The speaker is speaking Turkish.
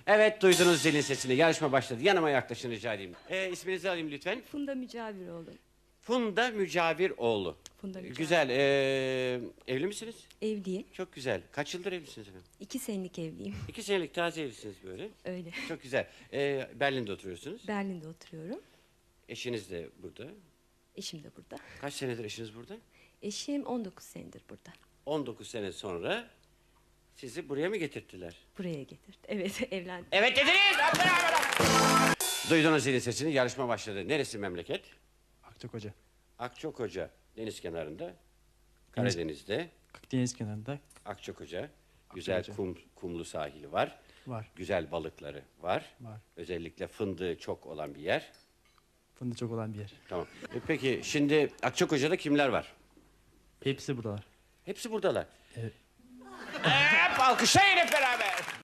Evet, duydunuz zilin sesini. Yarışma başladı. Yanıma yaklaşın rica edeyim. İsminizi alayım lütfen. Funda Mücaviroğlu. Funda Mücaviroğlu. Funda Mücavir. Güzel. Evli misiniz? Evliyim. Çok güzel. Kaç yıldır evlisiniz efendim? 2 senelik evliyim. 2 senelik taze evlisiniz böyle. Öyle. Çok güzel. Berlin'de oturuyorsunuz. Berlin'de oturuyorum. Eşiniz de burada. Eşim de burada. Kaç senedir eşiniz burada? Eşim 19 senedir burada. 19 sene sonra sizi buraya mı getirttiler? Buraya getirdi. Evet, evlendik. Evet dediniz. Duydunuz zilin sesini. Yarışma başladı. Neresi memleket? Akçakoca. Akçakoca. Deniz kenarında. Karadeniz'de. Deniz kenarında Akçakoca. Güzel Akçakoca. kumlu sahili var. var. Güzel balıkları var. Var. Özellikle fındığı çok olan bir yer. Fındık çok olan bir yer. Tamam. Peki şimdi Akçakoca'da kimler var? Hepsi buradalar. Hepsi buradalar. Evet. Hep alkışlayın hep beraber.